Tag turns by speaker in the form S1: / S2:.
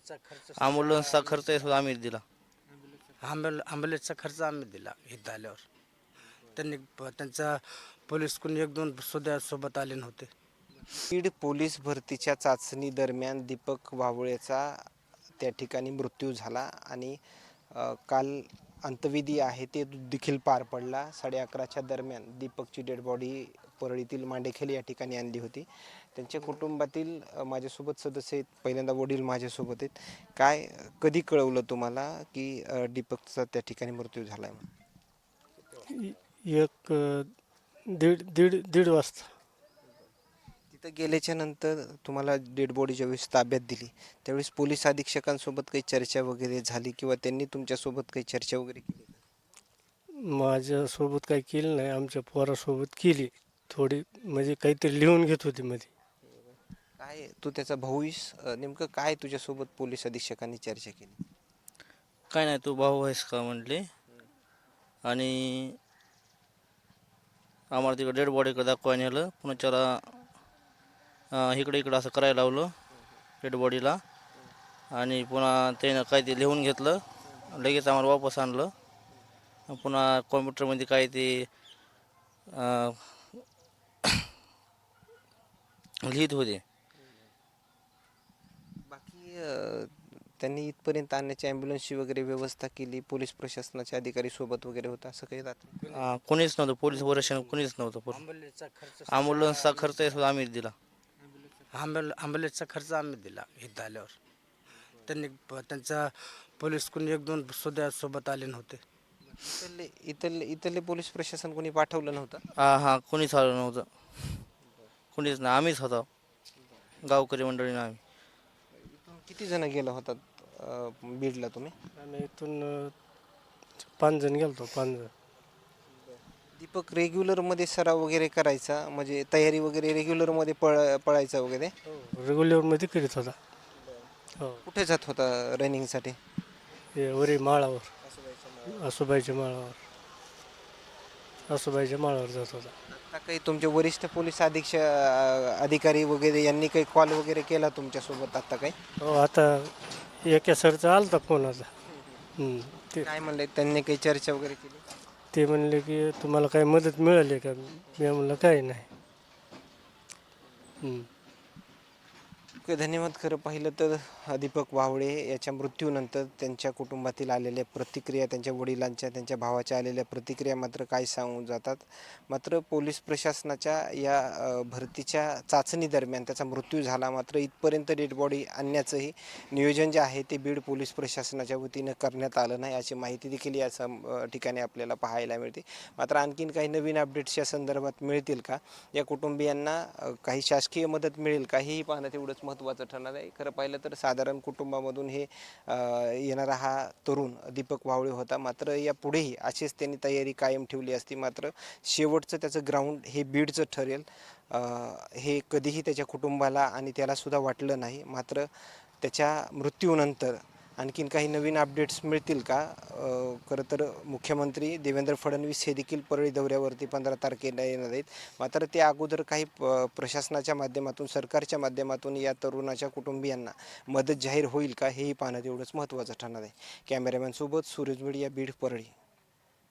S1: ॲम्ब्युलन्सचा खर्च आहे सुद्धा आम्हीच दिला.
S2: ॲम्ब्युलन्सचा खर्च आम्ही दिला इथं आल्यावर. त्यांनी त्यांचा पोलीस कोणी एक दोन सुद्धा सोबत आले नव्हते.
S3: बीड पोलीस भरतीच्या चाचणी दरम्यान दीपक वावळेचा त्या ठिकाणी मृत्यू झाला आणि काल अंत्यविधी आहे ते देखील पार पडला. 11:30च्या दरम्यान दीपकची डेड बॉडी परळीतील मांडेखेल या ठिकाणी आणली होती. त्यांच्या कुटुंबातील माझ्यासोबत सदस्य आहेत. पहिल्यांदा वडील माझ्यासोबत आहेत. काय कधी कळवलं तुम्हाला की दीपकचा त्या ठिकाणी मृत्यू झाला आहे?
S4: एक दीड दीड दीड वाजता.
S3: तिथं गेल्याच्या नंतर तुम्हाला डेड बॉडी ज्यावेळेस ताब्यात दिली त्यावेळेस पोलीस अधीक्षकांसोबत काही चर्चा वगैरे झाली किंवा त्यांनी तुमच्यासोबत काही चर्चा वगैरे केली?
S4: माझ्यासोबत काही केलं नाही, आमच्या पोरासोबत केली थोडी, म्हणजे काहीतरी लिहून घेत होती मध्ये.
S3: काय तू त्याचा भाऊस, नेमकं काय तुझ्यासोबत पोलीस अधीक्षकांनी चर्चा केली?
S1: काय नाही, तू भाऊ आहेस का म्हटले. आणि आम्हाला तिकडे डेड बॉडीकडे दाखवायला नेलं. पुन्हा त्याला इकडे असं करायला लावलं डेड बॉडीला. आणि पुन्हा त्यानं काय ते लिहून घेतलं, लगेच आम्हाला वापस आणलं. पुन्हा कॉम्प्युटरमध्ये काय ते लिहित होते.
S3: बाकी त्यांनी इथपर्यंत आणण्याची ॲम्ब्युलन्सची वगैरे व्यवस्था केली, पोलीस प्रशासनाचे अधिकारी सोबत वगैरे होता, असं काही राहतं?
S1: कोणीच नव्हतं, पोलीस वरिष्ठ कोणीच नव्हतं. ॲम्ब्युलन्सचा खर्च आहे सुद्धा आम्हीच दिला.
S2: ॲम्ब्युलन्सचा खर्च आम्ही दिला इथं आल्यावर. त्यांनी त्यांचा पोलीस कोणी एक दोन सुद्धा सोबत आले नव्हते.
S3: इथले पोलीस प्रशासन कोणी पाठवलं नव्हतं?
S1: हां, कोणीच आलं नव्हतं. कोणीच नाही, आम्हीच होतो, गावकरी मंडळीनं आम्ही.
S3: किती जण गेला होतात बीडला तुम्ही?
S4: आम्ही इथून 5 जण गेलो, 5 जण.
S3: दीपक रेग्युलरमध्ये सराव वगैरे करायचा, म्हणजे तयारी वगैरे रेग्युलरमध्ये पळायचा वगैरे?
S4: रेग्युलरमध्ये करीत होता. हो,
S3: कुठे जात होता रनिंगसाठी?
S4: हे वरी माळावर, आसोबाईच्या माळावर, आसोबाईच्या माळावर जात होता.
S3: आता काही तुमचे वरिष्ठ पोलीस अधिकारी वगैरे यांनी काही कॉल वगैरे केला तुमच्यासोबत आता काही?
S4: हो, आता एका सरचा आला होता फोन आता. ते
S3: काय म्हणले त्यांनी, काही चर्चा वगैरे केली?
S4: ते म्हणले की तुम्हाला काही मदत मिळाली का? मी म्हणलं काही नाही.
S3: ओके, धन्यवाद. खरं पाहिलं तर दीपक वावळे याच्या मृत्यूनंतर त्यांच्या कुटुंबातील आलेल्या प्रतिक्रिया, त्यांच्या वडिलांच्या, त्यांच्या भावाच्या आलेल्या प्रतिक्रिया मात्र काय सांगून जातात. मात्र पोलीस प्रशासनाच्या या भरतीच्या चाचणी दरम्यान त्याचा मृत्यू झाला. मात्र इथपर्यंत डेड बॉडी आणण्याचंही नियोजन जे आहे ते बीड पोलीस प्रशासनाच्या वतीनं करण्यात आलं नाही, अशी माहिती देखील या ठिकाणी आपल्याला पाहायला मिळते. मात्र आणखीन काही नवीन अपडेट्स या संदर्भात मिळतील का, या कुटुंबियांना काही शासकीय मदत मिळेल का, हेही पाहणं तेवढंच महत्त्वाचं ठरणार आहे. खरं पाहिलं तर साधारण कुटुंबामधून हे येणारा हा तरुण दीपक वावळे होता. मात्र या पुढेही अशीच त्यांनी तयारी कायम ठेवली असती. मात्र शेवटचं त्याचं ग्राउंड हे बीडचं ठरेल हे कधीही त्याच्या कुटुंबाला आणि त्यालासुद्धा वाटलं नाही. मात्र त्याच्या मृत्यूनंतर आणखीन काही नवीन अपडेट्स मिळतील का? खरं तर मुख्यमंत्री देवेंद्र फडणवीस हे देखील परळी दौऱ्यावरती 15 तारखेला येणार आहेत. मात्र त्या अगोदर काही प्रशासनाच्या माध्यमातून, सरकारच्या माध्यमातून या तरुणाच्या कुटुंबियांना मदत जाहीर होईल का, हेही पाहणं तेवढंच महत्त्वाचं ठरणार आहे. कॅमेरामॅनसोबत सूरज मीडिया, बीड, परळी.